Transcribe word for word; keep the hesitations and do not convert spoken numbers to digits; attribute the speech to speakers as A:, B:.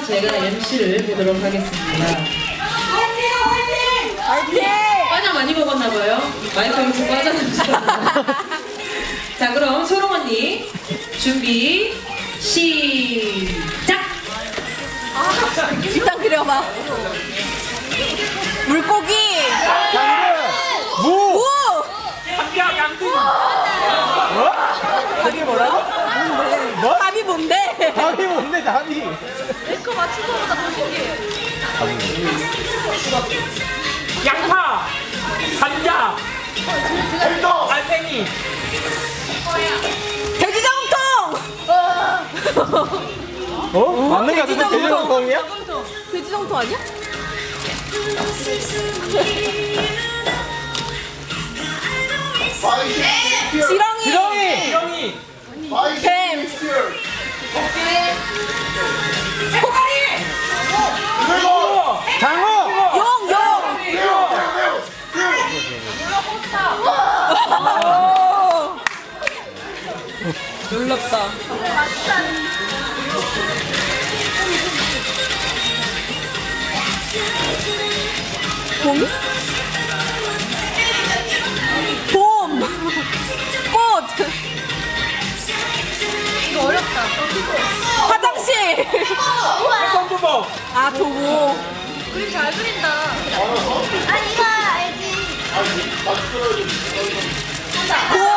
A: 제가 엠씨를 보도록 하겠습니다.
B: 화이팅!
A: 과자 많이 먹었나봐요. 마이크를 좀 과자는 자, 그럼 소롱 언니 준비 시작.
B: 일단 그려봐. 물고기.
C: 당근! 무!
B: 무.
C: 감자, 양등! 뭐? 답이 뭐라고?
B: 뭔데?
C: 뭐?
B: 답이 뭔데?
C: 답이 뭔데, 답이?
B: 내거 맞춘 거보다 더 신기해.
C: 양파! 감자! 알팽이!
B: 돼지저금통.
C: 어? 맞는 거 같은데? 돼지정통이야?
B: 돼지저금통 아니야? 지렁이.
C: 지렁이! 지렁이!
B: 뱀. 코가리.
C: 장어!
B: 용. 용. 놀랍다. 봄? 봄! 꽃! 이거 어렵다. 화장실!
C: 껌부먹!
B: 아, 도구.
D: 그림 잘 그린다. 아, 이거 알지.
B: 곰!